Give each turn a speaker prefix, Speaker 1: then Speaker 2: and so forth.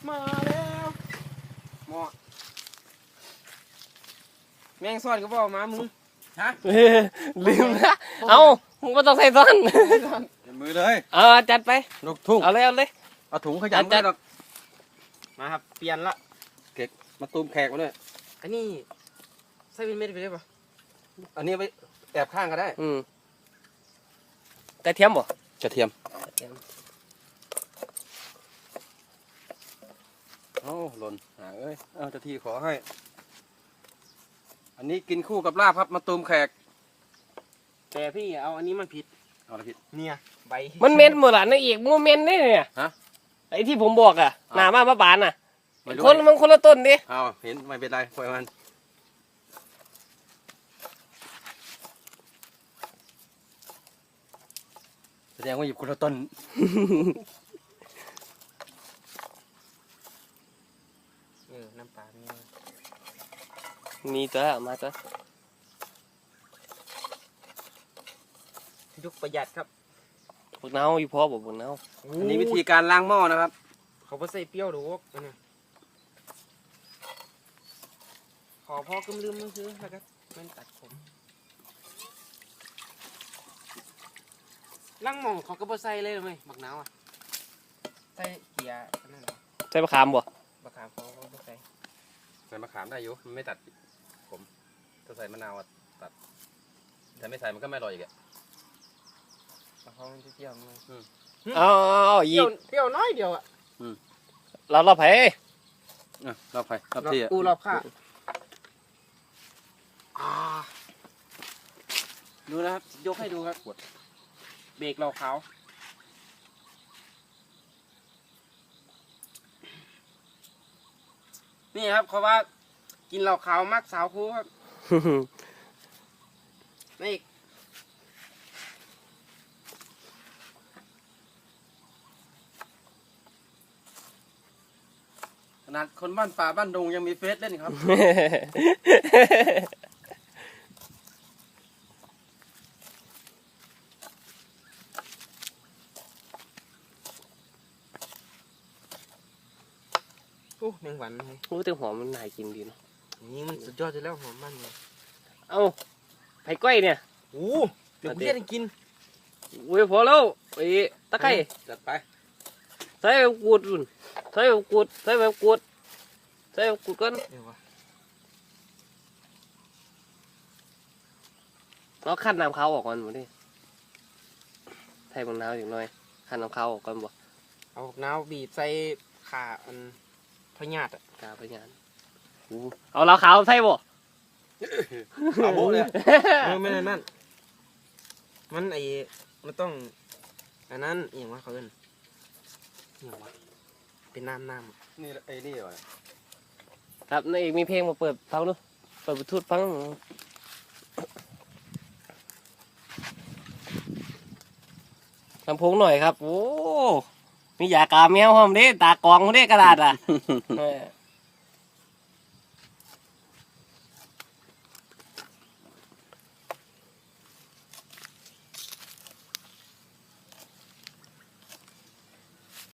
Speaker 1: มาแล้วหมอแมงซ่อนก็บอกมามึงฮะ
Speaker 2: ลืมนะเอามึงไม่ต้องใส่ซ้อน
Speaker 1: มือเลย
Speaker 2: จัดไป
Speaker 1: ลูกทุ่ง
Speaker 2: เอาเลย
Speaker 1: เอาถุงขยำ
Speaker 2: จัด
Speaker 1: หรอกมาครับเปลี่ยนละเก็กมาตูมแขกมาด้วยอันนี้ใส่เป็นเม็ดไปได้ปะอันนี้ไปแอบข้างก็ได้
Speaker 2: กระเทียมบ่
Speaker 1: กระเทียมโอ้หล่นเอ้ยเอาเจ้าที่ขอให้ อันนี้กินคู่กับลาบครับมาตูมแขกแต่พี่เอาอันนี้มันผิดเอาอะไรผิดเนี่ยใบ
Speaker 2: มันเมนหมดละนั่นอีกมันเมนนี่เนี่ย
Speaker 1: ฮะ
Speaker 2: ไอ้ที่ผมบอกอ่ะหนามาบานอ่ะคนละต้นดิ
Speaker 1: เอาเห็นไม่เป็นไรปล่อยมันแสดงว่าหยิบคนละต้นน้ำปลา
Speaker 2: มีตัวมาตัว
Speaker 1: ยุคประหยัดครับ
Speaker 2: พวกเน่าอยู่พอบอกพวกเน่า
Speaker 1: อันนี้วิธีการล้างหม้อนะครับเขาไม่ใส่เปรี้ยวหรอกขอพ่อกำลืมมือซื้อแล้วก็มันตัดผมล้างหม้อเขาก็ไม่ใส่เลยไหมบักหนาวอ่ะใส่เกียร์นั่นหรอ
Speaker 2: ใส่มะขามบ่
Speaker 1: มะขามเขาไม่ใส่ใส่มะขามได้อยู่มันไม่ตัดผมถ้าใส่มะนาวตัดแต่ไม่ใส่มันก็ไม่อร่อยอีกอ่ะเขาไม่เปรี้ยวเลย
Speaker 2: ยี
Speaker 1: เปรี้ยวน้อยเดียวอ่ะ
Speaker 2: เราไผ่
Speaker 1: เราไผ่เราที่อ่ะเราข้าดูนะครับยกให้ดูครับเบรกเราเขานี่ครับเขาว่ากินเหล้าขาวมักสาวคู่ครับนี่ขนาดคนบ้านป่าบ้านดงยังมีเฟซเล่นครับแมงวันเลย
Speaker 2: แต่หอมมันน่ากินดีเนาะ
Speaker 1: นี่มันสุดยอดเลยแล้วหอมมันเลย
Speaker 2: เอาไผ่ก้อยเนี่ย
Speaker 1: เดี๋ยวเรียกกิน
Speaker 2: พอแล้วไอ้ตะไคร้
Speaker 1: จัดไป
Speaker 2: ใส่แบบกูดรุ่นใส่แบบกูดก่อนแล้วขั้นน้ำข้าวออกก่อนหมดดิใส่บางน้ำอีกหน่อยขั้นน้ำข้าวออกก่อนบ่
Speaker 1: เอาน้ำบีบใส่ขาอันพญาต
Speaker 2: กาพญาตเอาแล้วขาวใส่บ่
Speaker 1: เอาโบเลยไม่ได้นั่นมันมันต้องอันนั้นอย่างว่าเขาเอิ้นอย่างว่าเป็นน้ำนี่นี่เหรอ
Speaker 2: ครับนี่อีกมีเพลงมาเปิดฟังดูเปิดบลูทูธฟังลำโพงหน่อยครับโอ้มียากาแมวหอมเด้ตากองเด้กระดาษอ่ะ